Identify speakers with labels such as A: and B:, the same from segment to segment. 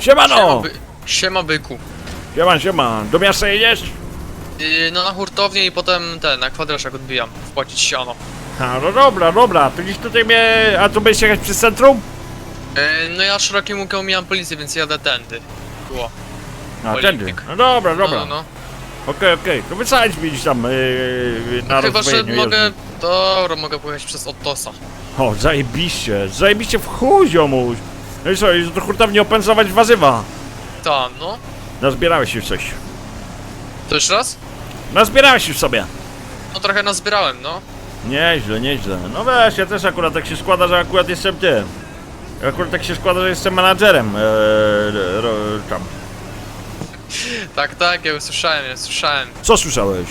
A: Siemano!
B: Siema byku.
A: Siema. Do miasta jedziesz?
B: No na hurtownię i potem na kwadraszek odbijam. Wpłacić siano.
A: A, no dobra. To gdzieś tutaj mnie... A tu będziesz jechać przez centrum?
B: No ja szerokim łukiem omijam policję, więc jadę tędy. Było.
A: A, tędy.
B: Olimpik.
A: No dobra.
B: No.
A: Okej. To wysadź mi gdzieś tam na
B: Chyba, że
A: rozdwojeniu
B: mogę...
A: jezdni.
B: Dobra, mogę pojechać przez Ottosa.
A: O, zajebiście w chuj, ziomuś. No i co, już do hurtowni opędzlować warzywa.
B: Tam, no.
A: Nazbierałeś już coś.
B: To jeszcze raz?
A: Nazbierałeś już sobie.
B: No trochę nazbierałem, no.
A: Nieźle. No wiesz, ja też akurat tak się składa, że akurat jestem tym. Akurat tak się składa, że jestem menadżerem tam.
B: Tak, ja usłyszałem.
A: Co słyszałeś?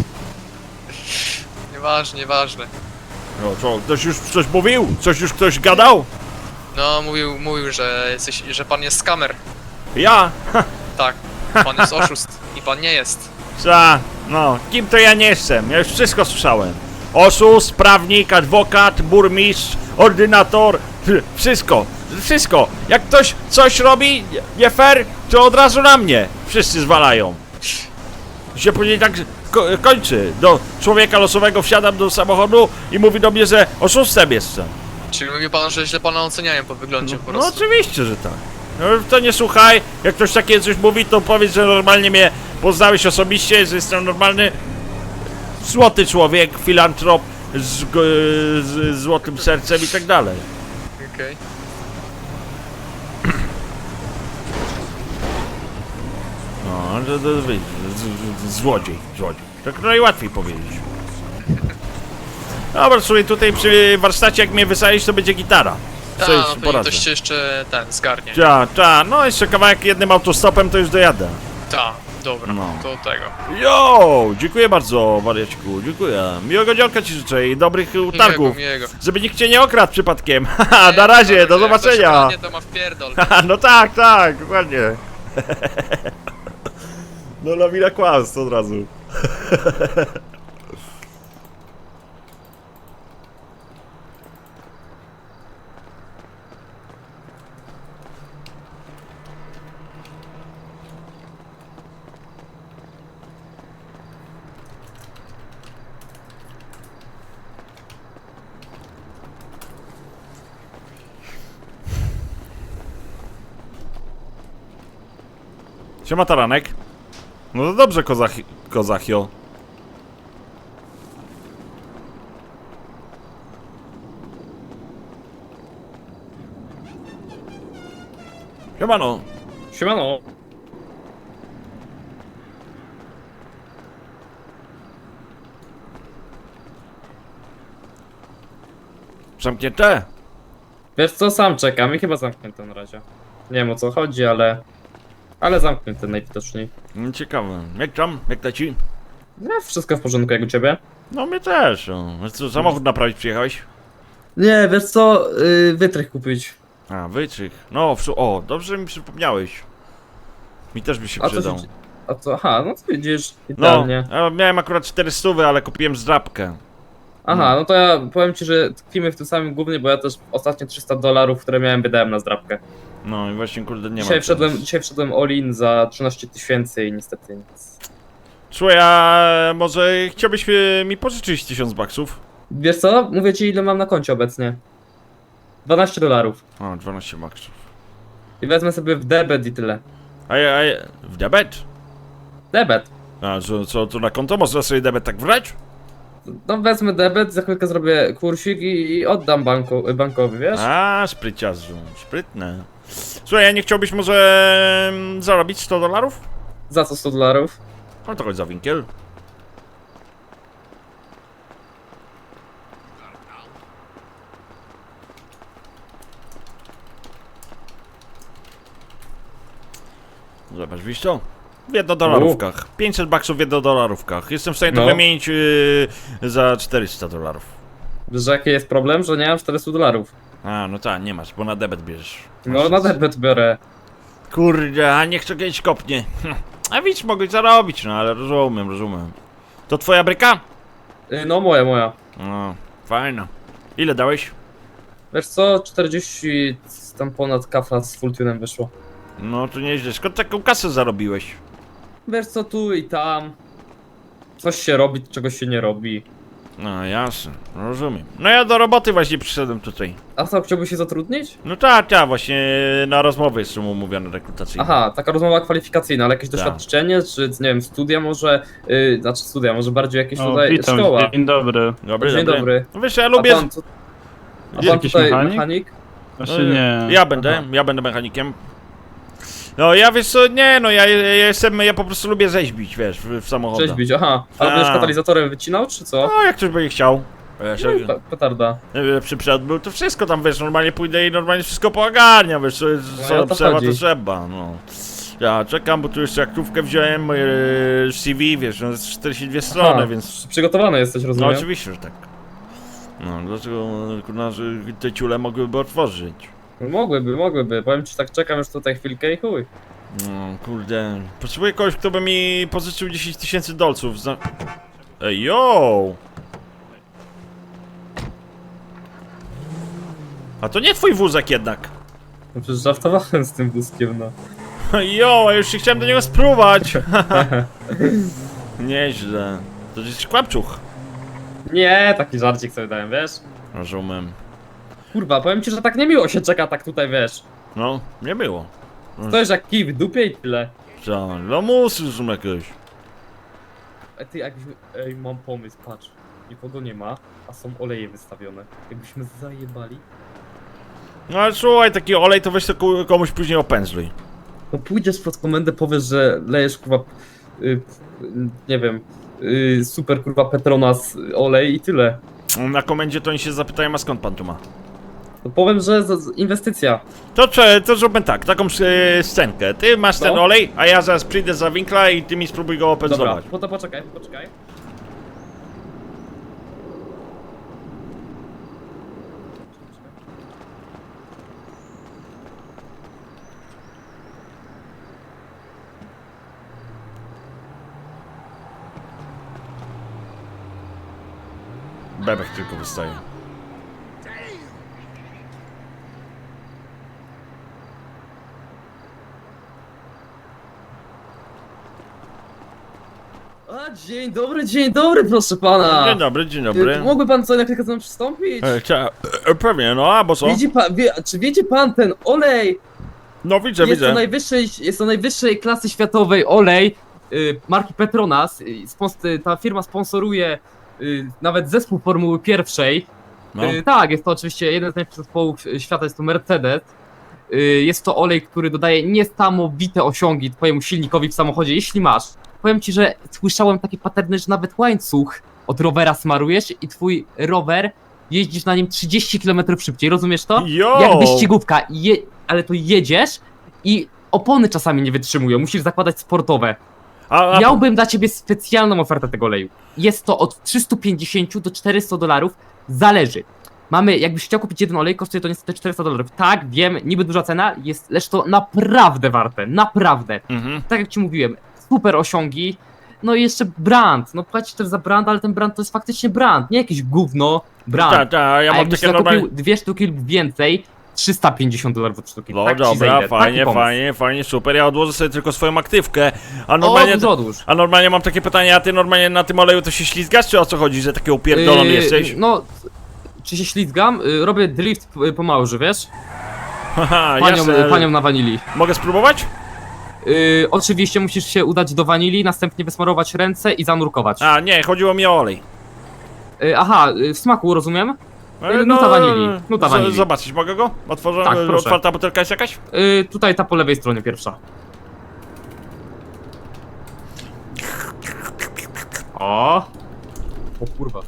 B: Nieważne.
A: No co, ktoś już coś mówił? Coś już ktoś gadał?
B: No, mówił, że pan jest skamer.
A: Ja?
B: Tak, pan jest oszust i pan nie jest.
A: No, kim to ja nie jestem? Ja już wszystko słyszałem. Oszust, prawnik, adwokat, burmistrz, ordynator, wszystko. Jak ktoś coś robi nie fair, to od razu na mnie wszyscy zwalają. I się później tak kończy. Do człowieka losowego wsiadam do samochodu i mówi do mnie, że oszustem jestem.
B: Czyli mówi pan, że źle pana oceniają po wyglądzie po
A: No
B: prostu.
A: oczywiście, że tak. No, to nie słuchaj, jak ktoś takie coś mówi, to powiedz, że normalnie mnie poznałeś osobiście, że jestem normalny, złoty człowiek, filantrop z złotym sercem i tak dalej.
B: Okej.
A: No, złodziej. Tak najłatwiej powiedzieć. Dobra, słuchaj, tutaj przy warsztacie, jak mnie wysadzisz, to będzie gitara.
B: Tak,
A: Co
B: no
A: jest
B: to
A: poradzę.
B: ktoś się jeszcze zgarnie.
A: No jeszcze kawałek jednym autostopem to już dojadę.
B: Tak, dobra,
A: No.
B: to tego.
A: Jo, dziękuję bardzo, wariaciku, dziękuję. Miłego dzionka ci życzę i dobrych utargów.
B: Miłego.
A: Żeby nikt cię nie okradł przypadkiem. Haha, na razie, do zobaczenia.
B: Nie, to ma wpierdol.
A: Haha, no tak, dokładnie. No lawina kłamstw od razu. Siema Taranek. No to dobrze, Kozachio. Siemano.
C: Siemano.
A: Zamknięte?
C: Wiesz co, sam czekam i chyba zamknięte na razie. Nie wiem o co chodzi, ale zamknięte najwidoczniej.
A: Ciekawe. Jak tam? Jak leci?
C: No, wszystko w porządku, jak u ciebie?
A: No mnie też. No. Co, samochód naprawić przyjechałeś?
C: Nie, wiesz co, wytrych kupić.
A: A, wytrych. No, o, dobrze że mi przypomniałeś. Mi też by się przydał.
C: Aha, no to widzisz,
A: No,
C: idealnie.
A: ja miałem akurat 400, ale kupiłem zdrabkę.
C: Aha, no to ja powiem ci, że tkwimy w tym samym głównie, bo ja też ostatnie $300, które miałem, wydałem na zdrabkę.
A: No i właśnie, kurde, nie
C: Dzisiaj
A: ma.
C: dzisiaj wszedłem all-in za 13 000 i niestety nic.
A: Słuchaj, a może chciałbyś mi pożyczyć 1000 baksów?
C: Wiesz co, mówię ci ile mam na koncie obecnie. $12.
A: O, 12 baksów.
C: I wezmę sobie w debet i tyle.
A: A w debet?
C: Debet.
A: A co, to na konto można sobie debet tak wrać?
C: No wezmę debet, za chwilkę zrobię kursik i oddam bankowi, wiesz?
A: A, spryciarzu, sprytne. Słuchaj, a nie chciałbyś może zarobić $100?
C: Za co $100?
A: No to chodź za winkiel. Zobacz, widzisz to? W $1. 500 baksów w $1. Jestem w stanie to
C: No.
A: wymienić za $400.
C: Wiesz, że jaki jest problem? Że nie mam $400.
A: A, no tak, nie masz, bo na debet bierzesz.
C: No na debet biorę.
A: Kurde, a niech to kiedyś kopnie. A widzisz, mogłeś zarobić, no ale rozumiem. To twoja bryka?
C: No moja.
A: No, fajna. Ile dałeś?
C: Wiesz co, 40 tam ponad kafla z full tunem wyszło.
A: No to nieźle. Skąd taką kasę zarobiłeś?
C: Wiesz co, tu i tam. Coś się robi, czegoś się nie robi.
A: No jasne, rozumiem. No ja do roboty właśnie przyszedłem tutaj.
C: A co, chciałbyś się zatrudnić?
A: No tak, właśnie na rozmowy jestem umówiony rekrutacyjny.
C: Aha, taka rozmowa kwalifikacyjna, ale jakieś
A: Tak.
C: doświadczenie, czy nie wiem, studia może, znaczy studia, może bardziej jakieś
D: O,
C: tutaj
D: witam,
C: szkoła.
D: dzień dobry.
A: Dobry,
C: Dzień dobry.
A: No wiesz, ja lubię...
C: A pan, co- a
D: Jest
C: pan
D: jakiś
C: tutaj
D: mechanik?
C: mechanik?
D: Znaczy nie.
A: Ja będę mechanikiem. No ja wiesz co, nie no, ja po prostu lubię rzeźbić, wiesz, w samochodach.
C: Rzeźbić, aha. A
A: Tak.
C: będziesz katalizatorem wycinał, czy co?
A: No jak ktoś będzie chciał. Wiesz, jak
C: Petarda.
A: lepszy przed był, to wszystko tam, wiesz, normalnie pójdę i normalnie wszystko poogarniam, wiesz,
C: No, o to
A: trzeba,
C: chodzi.
A: to trzeba, no. Ja czekam, bo tu jeszcze aktówkę wziąłem, moje CV, wiesz, no jest 42 strony,
C: Aha,
A: więc...
C: przygotowany jesteś,
A: No
C: rozumiem?
A: oczywiście, że tak. No, dlaczego, kurna, że te ciule mogłyby otworzyć?
C: Mogłyby. Powiem ci, tak czekam już tutaj chwilkę i chuj.
A: No, kurde. Potrzebuję kogoś, kto by mi pożyczył 10 000 dolców za... Ej, yo! A to nie twój wózek jednak.
C: No przecież żartowałem z tym wózkiem, no.
A: Jo, a już się chciałem do niego spróbować. Nieźle. To jest kłamczuch.
C: Nie, taki żarcik sobie dałem, wiesz?
A: Rozumiem.
C: Kurwa, powiem ci, że tak niemiło się czeka, tak tutaj, wiesz.
A: No, nie było.
C: Stoisz jak kij w dupie i tyle.
A: Co? Lamusy są jakieś.
C: Ty, jakbyśmy... Ej, mam pomysł, patrz. Nikogo nie ma, a są oleje wystawione. Jakbyśmy zajebali.
A: No ale słuchaj, taki olej to weź to komuś później opędzluj.
C: No pójdziesz pod komendę, powiesz, że lejesz kurwa... nie wiem... super kurwa Petronas olej i tyle.
A: Na komendzie to oni się zapytają, a skąd pan tu ma?
C: To powiem, że inwestycja.
A: To zróbmy tak, taką scenkę. Ty masz ten
C: No.
A: olej, a ja zaraz przyjdę za winkla i ty mi spróbuj go
C: Dobra,
A: opędzlować.
C: to poczekaj.
A: Bebek tylko wystaje.
C: A, dzień dobry, proszę pana.
A: Dzień dobry, dzień dobry.
C: Mógłby pan co na chwilkę ze mną przystąpić?
A: Pewnie, no a bo co?
C: Widzi pan, czy wiecie pan ten olej?
A: No widzę,
C: Jest
A: widzę.
C: to najwyższej klasy światowej olej marki Petronas. Ta firma sponsoruje nawet zespół Formuły pierwszej.
A: No.
C: Tak, jest to oczywiście jeden z najlepszych zespołów świata, jest to Mercedes. Jest to olej, który dodaje niesamowite osiągi twojemu silnikowi w samochodzie, jeśli masz. Powiem ci, że słyszałem takie paterny, że nawet łańcuch od rowera smarujesz i twój rower jeździsz na nim 30 km szybciej, rozumiesz to?
A: Jo!
C: Jak wyścigówka, ale to jedziesz i opony czasami nie wytrzymują, musisz zakładać sportowe.
A: A
C: Miałbym dla ciebie specjalną ofertę tego oleju. Jest to od 350 do 400 dolarów, zależy. Mamy, jakbyś chciał kupić jeden olej, kosztuje to niestety 400 dolarów. Tak, wiem, niby duża cena, lecz to naprawdę warte, naprawdę.
A: Mhm.
C: Tak jak ci mówiłem, super osiągi, no i jeszcze brand, no płacisz też za brand, ale ten brand to jest faktycznie brand, nie jakieś gówno, brand.
A: Tak, tak, ja
C: A
A: mam
C: jakbyś
A: takie
C: zakupił
A: normalne...
C: 2 sztuki lub więcej, 350 dolarów od sztuki.
A: No
C: tak ci
A: dobra,
C: zejdę.
A: fajnie,
C: Taki pomysł.
A: fajnie, super. Ja odłożę sobie tylko swoją aktywkę. A
C: O,
A: normalnie,
C: odłóż.
A: a normalnie mam takie pytanie, a ty normalnie na tym oleju to się ślizgasz, czy o co chodzi, że taki upierdolony jesteś?
C: No, czy się ślizgam? Robię drift po małży, wiesz?
A: Haha, jasne.
C: Panią na wanilii.
A: Mogę spróbować?
C: Oczywiście musisz się udać do wanilii, następnie wysmarować ręce i zanurkować.
A: A, nie, chodziło mi o olej.
C: Aha, w smaku, rozumiem? Nuta wanilii, nuta wanilii.
A: Zobaczyć, mogę go? Otworzę,
C: Tak, proszę.
A: otwarta butelka jest jakaś?
C: Tutaj ta po lewej stronie pierwsza. O kurwa.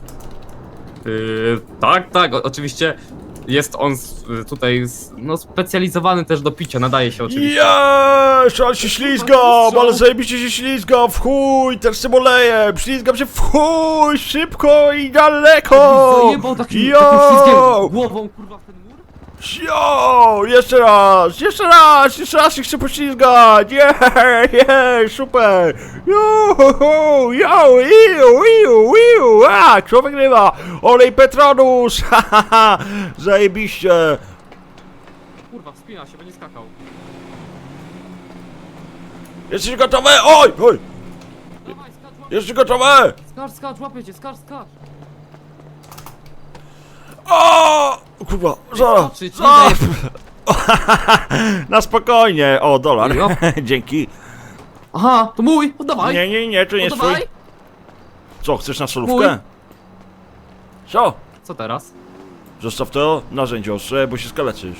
C: Tak, oczywiście jest on tutaj no, specjalizowany też do picia, nadaje się oczywiście.
A: Jeeeeż, ale się ślizgam, ale zajebiście się ślizgam, w chuj, też z tym olejem, ślizgam się w chuj, szybko i daleko!
C: Zajebał takim
A: Jo!
C: ślizgiem głową kurwa w ten mur?
A: Jo, jeszcze raz się chcę poślizgać, super, kto wygrywa? Olej Petronus, zajebiście.
C: Kurwa, wspina się, będzie skakał.
A: Jesteś gotowy? Oj! Oj!
C: Dawaj, skacz, łapie.
A: Jesteś gotowy?
C: Skacz, łapię cię, skacz.
A: O! Kurwa, zaraz!
C: Skoczyć, nie
A: zaraz.
C: dajesz.
A: Na spokojnie! O, dolar.
C: Jo.
A: Dzięki.
C: Aha, to mój, oddawaj.
A: Nie, to nie jest twój.
C: Oddawaj.
A: Co, chcesz na solówkę? Co?
C: Co teraz?
A: Zostaw to narzędzie ostrze, bo się skaleczysz.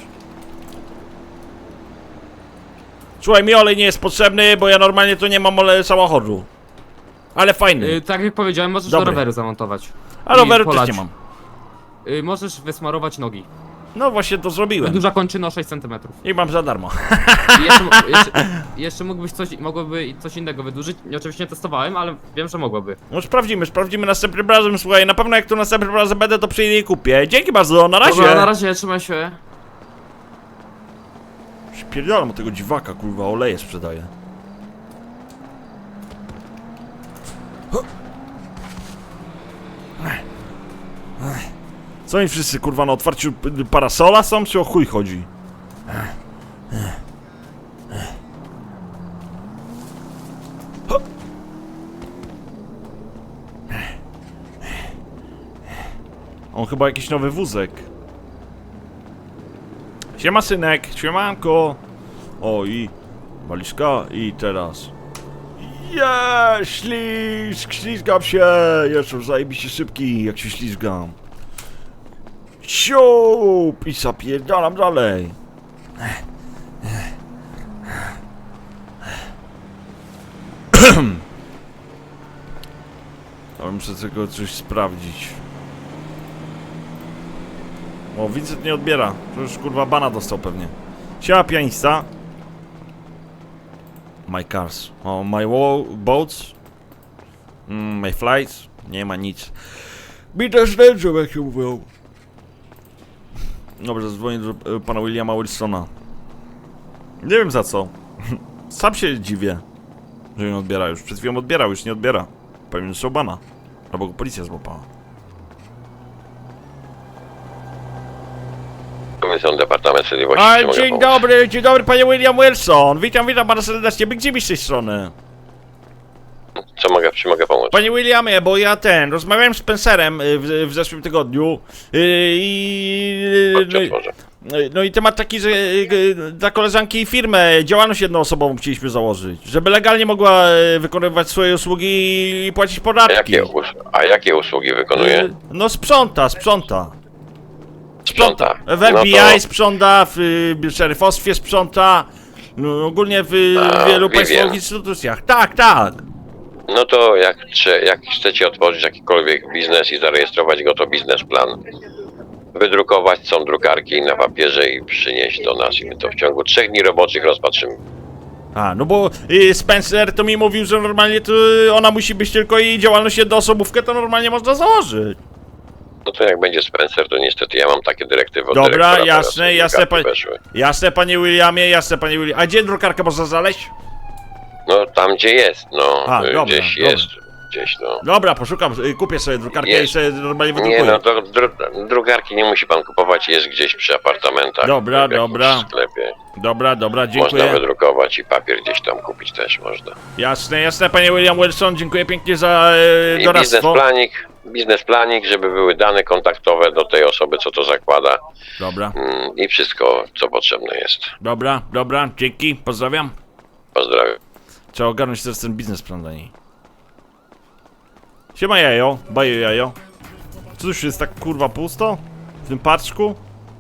A: Słuchaj, mi olej nie jest potrzebny, bo ja normalnie tu nie mam oleju samochodu. Ale fajny.
C: Tak jak powiedziałem, możesz
A: Dobry.
C: do roweru zamontować.
A: A
C: i
A: roweru też
C: polać.
A: nie mam.
C: Możesz wysmarować nogi.
A: No właśnie to zrobiłem.
C: Duża kończyna 6 cm.
A: I mam za darmo.
C: Jeszcze mogłoby coś innego wydłużyć. Oczywiście nie testowałem, ale wiem, że mogłoby.
A: No sprawdzimy następnym razem, słuchaj, na pewno jak tu następnym razem będę, to przyjdę i kupię. Dzięki bardzo, na razie!
C: Dobra, na razie, trzymaj się.
A: Spierdalam od tego dziwaka, kurwa, oleje sprzedaje. Co oni wszyscy, kurwa, na otwarciu parasola są, czy o chuj chodzi? On chyba jakiś nowy wózek. Siema synek, siemanko. O i walizka i teraz. Ślizgam się. Jeszcze zajebiście szybki, jak się ślizgam. Siup i zapierdalam dalej. Ale muszę tylko coś sprawdzić. O, Vincent nie odbiera. To już kurwa bana dostał pewnie. Siema pianista. My cars. O, my boats. My flights. Nie ma nic. Mi też nędzą, jak się mówią. Dobrze, zadzwonię do pana Williama Wilsona. Nie wiem za co. Sam się dziwię, że nie odbiera już. Przed chwilą odbierał, już nie odbiera. Pewnie dostał bana. Albo go policja złapała.
D: Komisjon Departament Sprawiedliwości.
A: A,
D: czy mogę
A: dzień
D: pomóc?
A: dobry panie William Wilson. Witam pana serdecznie. Big Jimmy z tej strony.
D: Czy mogę pomóc?
A: Panie Williamie, bo ja rozmawiałem z Spencerem w zeszłym tygodniu
D: Chodźcie, otworzę.
A: no i temat taki, że dla koleżanki firmę, działalność jednoosobową chcieliśmy założyć, żeby legalnie mogła wykonywać swoje usługi i płacić podatki.
D: Jakie usługi wykonuje?
A: No sprząta.
D: Sprząta.
A: W FBI sprząta, w szeryfostwie sprząta, no, ogólnie w wielu państwowych instytucjach. Tak.
D: No to jak chcecie otworzyć jakikolwiek biznes i zarejestrować go, to biznesplan. Wydrukować są drukarki na papierze i przynieść do nas i my to w ciągu 3 dni roboczych rozpatrzymy.
A: A, no bo Spencer to mi mówił, że normalnie to ona musi być tylko i działalność jednoosobówkę to normalnie można założyć.
D: No to jak będzie Spencer, to niestety ja mam takie dyrektywy od
A: Dobra,
D: dyrektora,
A: jasne,
D: teraz
A: jasne panie Williamie, A gdzie drukarkę można znaleźć?
D: No tam gdzie jest, no.
A: A, dobra,
D: gdzieś
A: dobra.
D: jest, gdzieś no.
A: Dobra, poszukam, kupię sobie drukarkę
D: Jest.
A: i sobie normalnie
D: Nie
A: wydrukuję.
D: no, to drukarki nie musi pan kupować, jest gdzieś przy apartamentach.
A: Dobra,
D: w jakimś
A: dobra.
D: sklepie.
A: Dobra,
D: Można
A: dziękuję.
D: wydrukować i papier gdzieś tam kupić też można.
A: Jasne, panie William Wilson, dziękuję pięknie za
D: I
A: doradztwo.
D: biznesplanik, żeby były dane kontaktowe do tej osoby, co to zakłada.
A: Dobra,
D: I wszystko, co potrzebne jest.
A: dobra, dzięki, pozdrawiam.
D: Pozdrawiam.
A: Trzeba ogarnąć teraz ten biznesplan dla niej. Siema jajo, bajo jajo. Co tu już jest tak kurwa pusto? W tym paczku?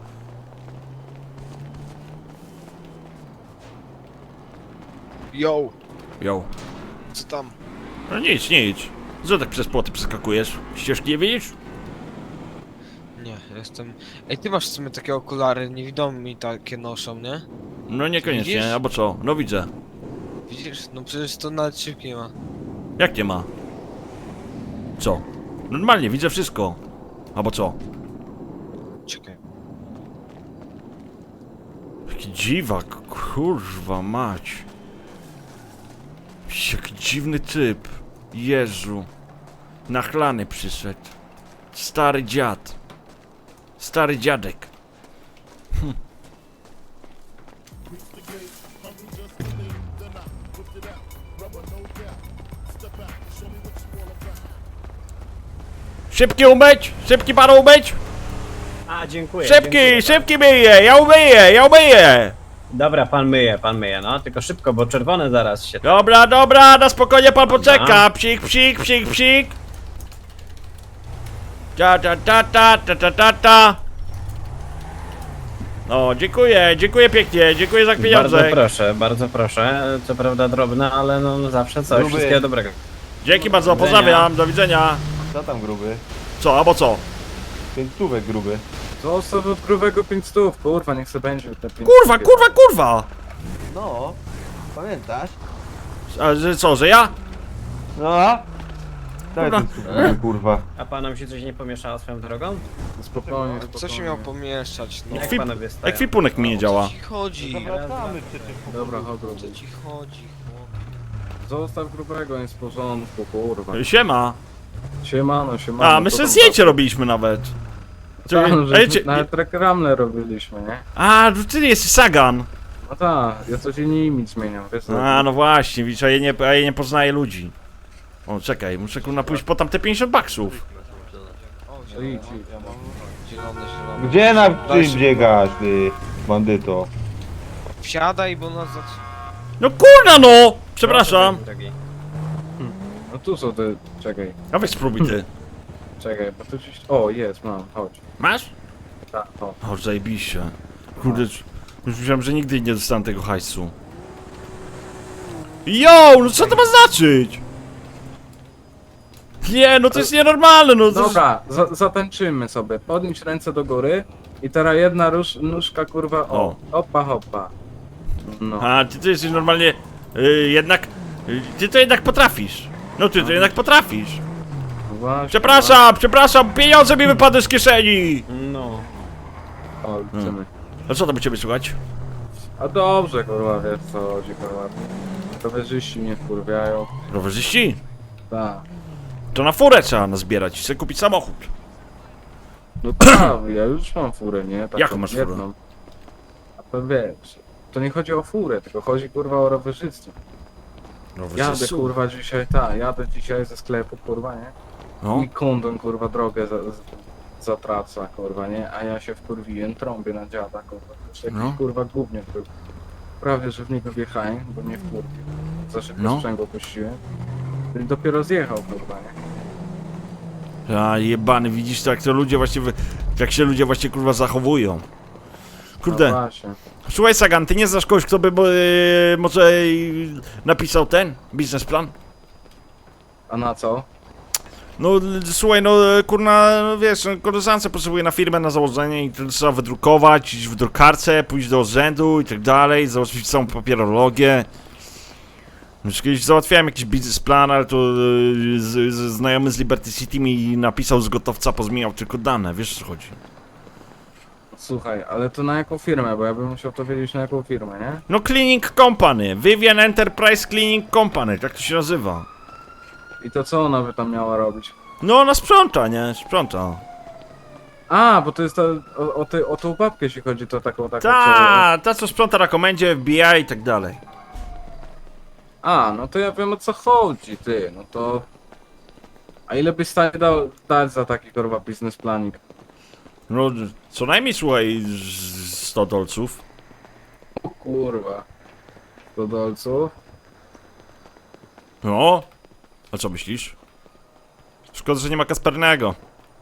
E: Yo,
A: Jo.
E: co tam?
A: No nic. Co tak przez płoty przeskakujesz? Ścieżki nie widzisz?
E: Nie, jestem... Ej, ty masz w sumie takie okulary, niewidomi takie noszą, nie?
A: No niekoniecznie,
E: Widzisz?
A: albo co? No widzę.
E: Widzisz? No przecież to nawet szybki nie ma.
A: Jak nie ma? Co? Normalnie, widzę wszystko. Albo co?
E: Czekaj.
A: Jaki dziwak, kurwa mać. Jaki dziwny typ. Jezu. Nachlany przyszedł. Stary dziad. Stary dziadek. Szybki umyć! Szybki panu umyć!
F: A, dziękuję.
A: Szybki,
F: dziękuję.
A: szybki myję! Ja umyję!
F: Dobra, pan myje, no. Tylko szybko, bo czerwone zaraz się...
A: Dobra, na spokojnie pan poczeka! Psik! Ta. No, dziękuję pięknie, dziękuję za pieniądze.
F: Bardzo proszę. Co prawda drobne, ale no zawsze coś.
G: Gruby.
F: Wszystkiego dobrego.
A: Dzięki bardzo, pozdrawiam, do widzenia.
G: Co tam gruby?
A: Co, albo co?
G: 5 stówek gruby.
H: Zostaw od grubego 500, kurwa, niech sobie będzie te 500.
A: Kurwa!
G: No, pamiętasz?
A: A, że co, że ja?
G: No a? Daj
A: Kurwa.
G: ten gruby, kurwa.
F: A panom się coś nie pomieszało swoją drogą?
H: Spokojnie,
E: Co się miał pomieszczać, no?
F: Jak
A: Ekwi-
F: panowie stoją?
A: Ekwipunek mi nie działa.
E: Co ci chodzi?
G: Zawracamy przecież.
H: Dobra, chodź
E: Co
H: gruby.
E: ci chodzi, chłopie?
H: Zostaw grubego, jest w porządku, kurwa.
A: Siema.
H: Siemano.
A: A, my sobie zdjęcie robiliśmy nawet.
H: Tam,
A: Ej,
H: że nawet reklamę robiliśmy, nie?
A: A, ty jesteś Sagan.
H: No tak, ja coś innymi zmieniam, wiesz co?
A: A, no właśnie, widzisz, a ja nie poznaję ludzi. O, czekaj, muszę kurna pójść po tam te 50 baksów.
E: O,
H: To idź, idź.
E: zielone.
G: Gdzie na
E: Daj
G: czym
E: się-
G: biegasz, ty bandyto?
E: Wsiadaj, bo nas
A: No kurna no! Przepraszam.
F: Drogi.
H: No tu są te, czekaj,
A: A weź spróbuj ty.
H: bo tu gdzieś... O, jest, mam, chodź.
A: Masz?
H: Tak, o.
A: O, zajebiście. Kurde, już myślałem, że nigdy nie dostanę tego hajsu. Jo, no co to ma znaczyć? Nie, no to jest nienormalne, no to...
H: Dobra, zatańczymy sobie, podnieś ręce do góry i teraz jedna nóżka, kurwa,
A: O.
H: o, hoppa. No.
A: A, ty to jesteś normalnie... jednak... ty to jednak potrafisz. No ty to jednak potrafisz.
H: Właśnie,
A: Przepraszam, pieniądze mi wypadły z kieszeni!
F: No.
H: O, liczymy.
A: A co tam u ciebie słychać?
H: A dobrze, kurwa, wiesz co chodzi, kurwa. Rowerzyści mnie wkurwiają.
A: Rowerzyści?
H: Tak.
A: To na furę trzeba nazbierać i sobie kupić samochód.
H: No tak, ja już mam furę, nie? Taką
A: Jaką masz furę?
H: jedną. A to wiesz, to nie chodzi o furę, tylko chodzi kurwa o rowerzystwo. Jadę kurwa dzisiaj, jadę dzisiaj ze sklepu, kurwa, nie?
A: No.
H: I kondon kurwa drogę zatraca, kurwa, nie? A ja się wkurwiłem, trąbię na dziada, kurwa. Też jakiś
A: No.
H: kurwa gówniak był. Prawie, że w niego wjechałem, bo mnie wkurwił. Za szybko
A: No.
H: sprzęgło puściłem. I dopiero zjechał, kurwa, nie?
A: A jebany, widzisz tak to ludzie właśnie, jak się ludzie właśnie kurwa zachowują.
H: No
A: Kurde,
H: właśnie.
A: słuchaj Sagan, ty nie znasz kogoś, kto by może napisał ten biznesplan?
H: A na co?
A: No słuchaj, no kurna, no, wiesz, no, koleżance potrzebuje na firmę na założenie i to trzeba wydrukować, iść w drukarce, pójść do urzędu i tak dalej, załatwić całą papierologię. Już kiedyś załatwiałem jakiś biznesplan, ale to znajomy z Liberty City mi napisał z gotowca, pozmieniał tylko dane, wiesz o co chodzi.
H: Słuchaj, ale to na jaką firmę? Bo ja bym musiał to wiedzieć na jaką firmę, nie?
A: No Cleaning Company, Vivian Enterprise Cleaning Company, tak to się nazywa.
H: I to co ona by tam miała robić?
A: No ona sprząta, nie? Sprząta.
H: A, bo to jest ta, o tą babkę jeśli chodzi, to taką
A: Ta co sprząta na komendzie, FBI i tak dalej.
H: A, no to ja wiem o co chodzi, ty, no to... A ile byś stanie dać za taki kurwa biznesplanik?
A: No co najmniej słuchaj 100 dolców.
H: O kurwa. 100 dolców?
A: No, a co myślisz? Szkoda, że nie ma Kaspernego.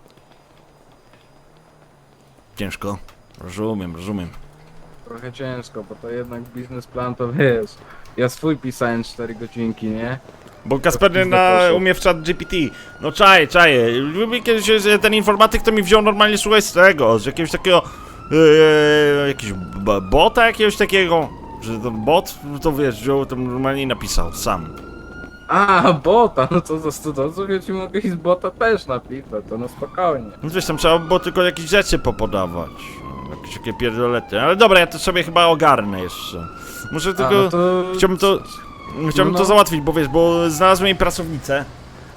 A: Ciężko. Rozumiem.
H: Trochę ciężko, bo to jednak biznesplan to wiesz. Ja swój pisałem 4 godzinki, nie?
A: Bo Kasperny umie w chat GPT. No czaję. Lubię kiedyś ten informatyk to mi wziął normalnie słuchaj z tego, z jakiegoś takiego jakiegoś bota jakiegoś takiego. Że ten bot, to wiesz, wziął to normalnie i napisał sam.
H: A, bota, no to za 100 dolców ja ci mogę i z bota też napisać, to no spokojnie.
A: No wiesz, tam trzeba było tylko jakieś rzeczy popodawać. Jakieś takie pierdolety. Ale dobra, ja to sobie chyba ogarnę jeszcze. Muszę tylko...
H: A, no to...
A: Chciałbym to
H: No.
A: załatwić, bo wiesz, bo znalazłem jej pracownicę.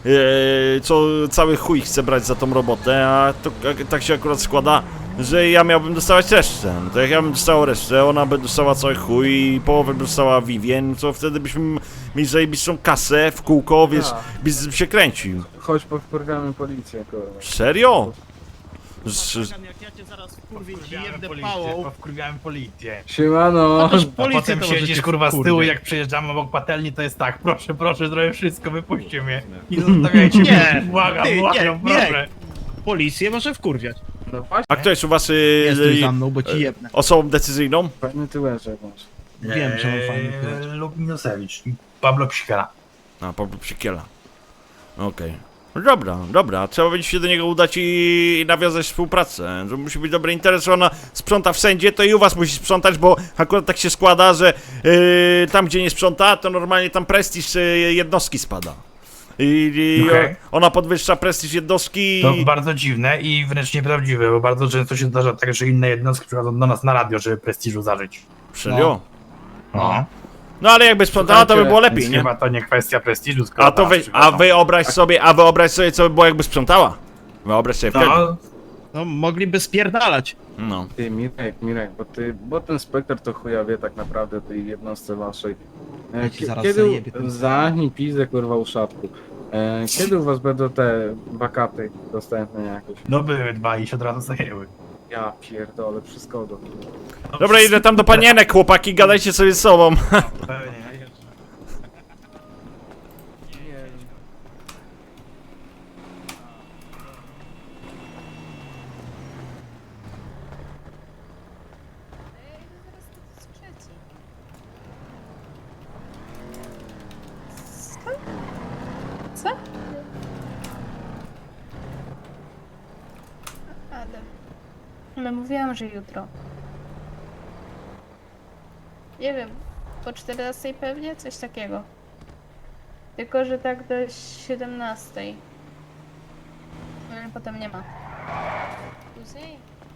A: co cały chuj chce brać za tą robotę, a to tak się akurat składa, że ja miałbym dostawać resztę. No to jak ja bym dostał resztę, ona by dostała cały chuj i połowę by dostała Vivien, to wtedy byśmy mieli zajebistą kasę w kółko, wiesz,
H: Tak.
A: biznes się kręcił.
H: Chodź, powkurwiamy policję, kurwa.
A: Serio?
I: Jak ja cię zaraz wkurwię ci jebnę pałą.
J: Wkurwiałem policję.
H: Siemano!
J: Potem siedzisz kurwa z tyłu, jak przejeżdżamy obok patelni, to jest tak, proszę, proszę, zrobię wszystko, wypuśćcie mnie. I zostawiajcie mnie, błagam, proszę.
I: Policję może wkurwiać.
H: No właśnie,
A: A kto jest u was
I: Jesteś za mną, bo ci jebnę.
A: osobą decyzyjną?
H: fajny tyłeczek masz.
I: Wiem, że mam fajny
J: Lubinosewicz, Pablo Psikala.
A: A, Pablo Psikiela. Okej. No dobra, trzeba będzie się do niego udać i nawiązać współpracę. To musi być dobry interes, że ona sprząta wszędzie, to i u was musi sprzątać, bo akurat tak się składa, że tam gdzie nie sprząta, to normalnie tam prestiż jednostki spada. I
J: Okej.
A: ona podwyższa prestiż jednostki
J: To
A: i...
J: bardzo dziwne i wręcz nieprawdziwe, bo bardzo często się zdarza tak, że inne jednostki przychodzą do nas na radio, żeby prestiżu zażyć.
A: Serio?
J: No.
A: No ale jakby sprzątała, to by było lepiej,
J: Więc
A: nie?
J: chyba to nie kwestia prestiżu, skoro
A: A to wyobraź sobie, co by było jakby sprzątała. Wyobraź sobie wtedy.
J: No,
I: No mogliby spierdalać.
A: No.
H: Ty, Mirek, bo ten spektor to chuja wie tak naprawdę tej jednostce waszej.
I: Ja ci zaraz
H: Kiedy
I: zajebie ten-
H: zamknij pizdę, kurwa, uszatku. Kiedy u was będą te wakaty dostępne jakieś?
J: no były dwa i się od razu zajęły.
H: Ja pierdolę, wszystko do...
J: No,
A: Dobra, idę tam do panienek, chłopaki, gadajcie sobie z sobą.
J: Pewnie.
K: Co? Ale mówiłam, że jutro. Nie wiem, po 14 pewnie? Coś takiego. Tylko, że tak do 17. Ale potem nie ma. Później?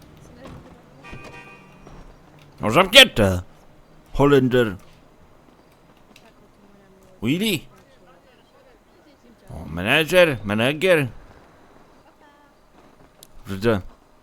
A: No zamknięte. Holender. Willy. O, menedżer. Widzę.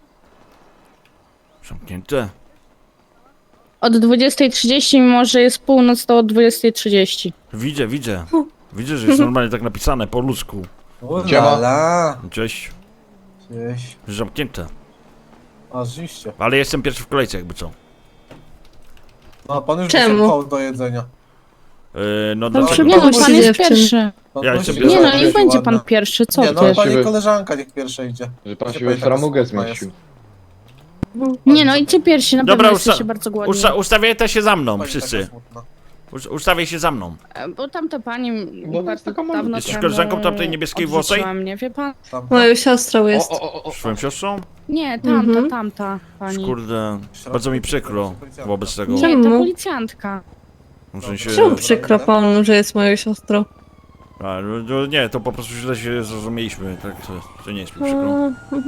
A: Zamknięte.
K: Od 20:30, mimo że jest północ, to od 20:30.
A: Widzę. Widzę, że jest normalnie tak napisane po ludzku.
H: Siema.
A: Cześć.
H: Cześć.
A: Zamknięte.
H: A rzeczywiście.
A: Ale jestem pierwszy w kolejce, jakby co.
H: No, pan już
K: Czemu?
H: do jedzenia.
A: No
K: Nie
A: dlaczego?
K: no, pan jest pierwszy.
A: Ja jestem
K: Nie
A: pierwszy.
K: no, niech będzie pan pierwszy, co ty?
H: pani koleżanka niech pierwsza idzie.
F: Że pan się we framugę zmieścił.
K: Nie no, idźcie pierwsi, na
A: Dobra,
K: pewno jesteście bardzo głodni.
A: Ustawiajcie się za mną, wszyscy. Ustawiaj się za mną.
K: Bo tamta pani
F: Bo
K: bardzo
F: taka mama.
K: dawno
A: Jesteś
K: temu
A: koleżanką tamtej niebieskiej włosej?
K: odrzuciła mnie, wie pan?
L: Moją siostrą jest.
A: Swoją siostrą?
K: Nie, tamta pani.
A: Kurde, bardzo mi przykro wobec tego.
K: Nie,
L: Czemu?
K: ta policjantka.
A: W sensie...
L: Czemu przykro panu, że jest moją siostrą?
A: A, no, nie, to po prostu źle się zrozumieliśmy, tak, to nie jest mi przykro.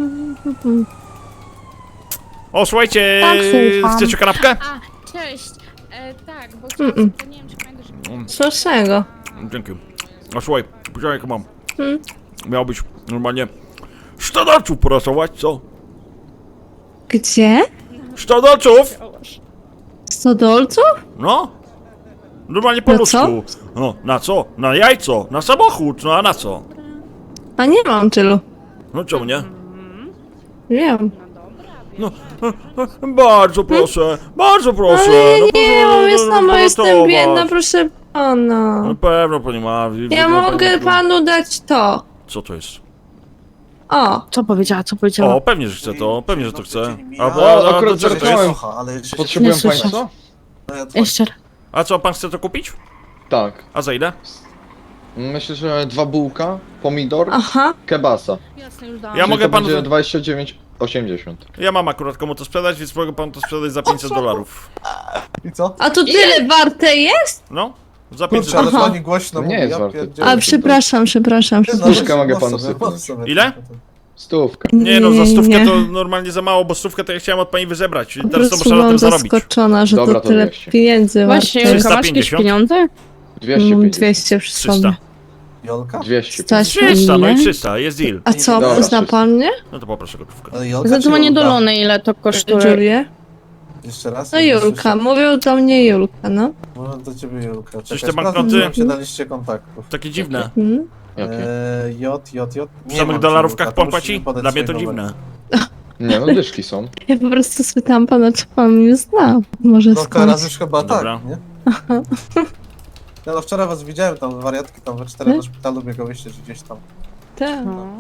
A: O, słuchajcie,
K: Tak, słucham.
A: chcecie kanapkę?
K: A, cześć. Tak, bo chciałam, to nie wiem, czy pamiętasz, że...
L: Smacznego.
A: Dzięki. O, słuchaj, powiedziałem jak mam.
L: Hmm.
A: Miało być normalnie 100 porasować, co?
L: Gdzie?
A: 100
L: 100 dolców?
A: No. Normalnie po
L: Na
A: ludzku. No, na co? Na jajco, na samochód, no a na co?
L: A nie mam tylu.
A: No czemu nie?
L: Wiem.
A: No, bardzo proszę, bardzo proszę.
L: Ale
A: no,
L: nie
A: proszę,
L: mam, jest
A: no,
L: jestem
A: uratować.
L: biedna, proszę pana.
A: Na pewno pani ma.
L: Ja mogę panu dać to.
A: Co to jest?
L: O,
K: Co powiedziała, co powiedziała?
A: O, pewnie, że chce to, pewnie, że to chce. A
F: akurat
A: co to
F: żartowałem.
A: jest?
F: Potrzebują
K: Nie słyszę.
F: państwo?
K: Jeszcze raz.
A: A co, pan chce to kupić?
F: Tak.
A: A za ile?
F: Myślę, że 2 bułka, pomidor,
L: aha.
F: kebasa.
K: Jasne, już dałam.
A: Ja mogę
F: to
A: panu...
F: będzie 29,80.
A: Ja mam akurat komu to sprzedać, więc mogę pan to sprzedać za $500.
H: I co?
L: A to tyle warte jest?
A: No, za 500
L: ale
A: dolarów.
L: pani
H: głośno
F: Nie jest warte.
L: A, przepraszam.
F: Stówkę mogę panu sypnąć.
A: Ile?
F: Stówkę.
A: Nie no, za stówkę to normalnie za mało, bo stówkę to ja chciałem od pani wyzebrać. I
L: Po
A: teraz to
L: prostu
A: muszę na
L: byłam
A: tym zarobić.
L: zaskoczona, że
F: Dobra,
L: to
F: to
L: tyle
F: 200.
L: pieniędzy
K: Właśnie,
L: warte.
K: Julka, masz jakieś
A: 350?
K: pieniądze?
L: Mam
F: 250.
L: 200 przy
A: 300.
L: sobie.
H: Jolka?
F: 200.
L: Stać
A: 300, no i
L: ile?
A: 300, jest deal.
L: A co,
F: Dobra,
L: zna
F: 300.
L: pan mnie?
A: No to poproszę gotówkę.
H: Ale Jolka czy
L: Zadzwonię do
H: Julka?
L: Lony, ile to kosztuje. Julię?
H: Jeszcze raz?
L: No
H: Nie
L: Julka,
H: słyszę.
L: mówił do mnie Julka, no.
H: Mówię do ciebie Julka.
A: Coś
H: Czekaj,
A: te
H: sprawdzę,
A: banknoty?
H: czy się daliście kontaktów.
A: Takie dziwne.
L: Hmm?
F: Jakie?
H: J.
A: W
H: Nie
A: samych
H: mam
A: dolarówkach
H: Julka, to
A: pan płaci?
H: musisz mi podać
A: Dla mnie to
H: swój numer.
A: dziwne.
F: Nie no, dyszki są.
L: Ja po prostu spytałam pana, czy pan mnie zna. Może
H: No
L: skąd?
H: teraz już chyba
A: Dobra.
H: tak, nie? Ja no wczoraj was widziałem tam, wariatki tam we 4 do szpitalu biegałyście, czy gdzieś tam.
L: Tak.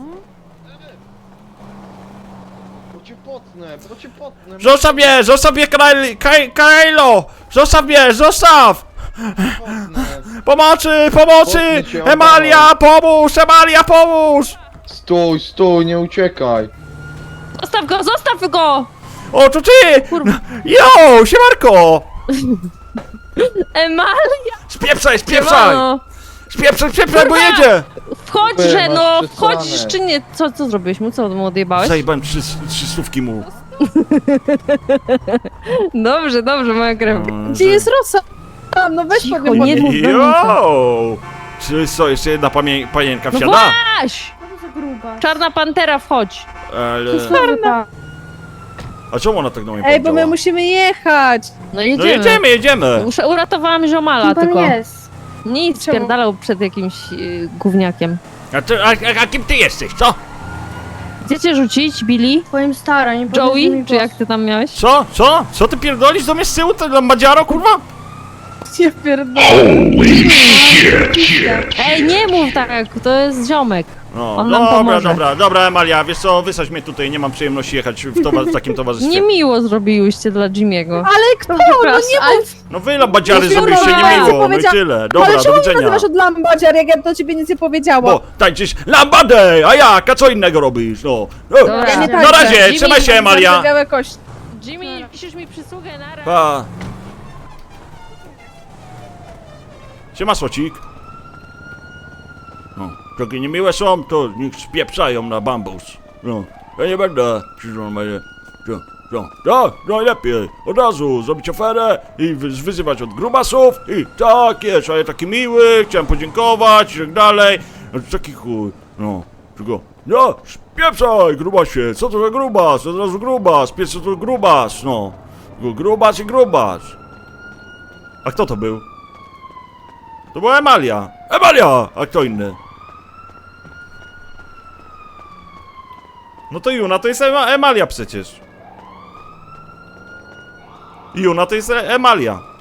F: Bo cię potnę.
A: Zostaw mnie, Kailo! Zostaw mnie, zostaw! Pomocy!
F: Potnę cię,
A: Emalia, pomóż! Emalia, pomóż!
F: Stój, nie uciekaj.
L: Zostaw go!
A: O, to ty! Jo, siemarko!
L: Emalia!
A: Spieprzaj,
L: no.
A: Spieprzaj, bo jedzie!
L: Wchodźże,
F: Masz
L: no!
F: przesrane.
L: Wchodzisz czy nie? Co zrobiłeś mu? Co mu odjebałeś?
A: Zajebałem 300 mu.
L: Dobrze, moja krew.
A: Gdzie jest
L: Rosa? No weź
A: Jo! Czy co, jeszcze jedna panienka
L: No
A: wsiada?
L: Aś! Czarna Pantera, wchodź!
A: Ale... A czemu ona tak do mnie
L: Ej, bo my
A: powiedziała?
L: musimy jechać! No
A: No
L: jedziemy.
A: jedziemy!
L: Uratowałam ziomala tylko.
K: jest?
L: Nic, spierdalał przed jakimś gówniakiem.
A: A kim ty jesteś, co?
L: Gdzie cię rzucić, Billy?
K: Twoim stara, nie
L: Joey? Czy jak ty tam miałeś?
A: Co? Co ty pierdolisz do mnie z tyłu, to lambadziaro, kurwa?
L: Nie pierdolę. Ej, nie mów tak, to jest ziomek.
A: No,
L: On nam pomoże.
A: dobra, Emalia, wiesz co, wysadź mnie tutaj, nie mam przyjemności jechać w takim towarzystwie.
L: Niemiło zrobiłyście dla Jimmy'ego.
K: Ale kto? No nie mów!
A: No wy lambadziary
K: Nie
A: zrobiliście
K: dobra,
A: niemiło, no i tyle. Dobra, do widzenia.
K: od lambadziar, jak ja do ciebie nic nie powiedziałam?
A: Bo tańczysz lambadej, a jak, a co innego robisz, no.
L: Dobra. Ja nie
A: Na razie,
L: Jimmy,
A: trzymaj się, Emalia.
K: Białe kości.
L: Jimmy, piszesz mi przysługę na raz.
A: Pa. Siema, Słocik. No, takie niemiłe są, to niech spieprzają na bambus. No, ja nie będę normalnie. No najlepiej, od razu zrobić oferę i wyzywać od grubasów i tak jest, a ja taki miły, chciałem podziękować i tak dalej. No to taki chuj, no, tylko, no, spieprzaj, grubasie, co to za grubas, od razu grubas, pies to grubas, no. Grubas i grubas. A kto to był? To była Emalia. Emalia! A kto inny? No to Juna to jest Emalia przecież. Juna to jest Emalia.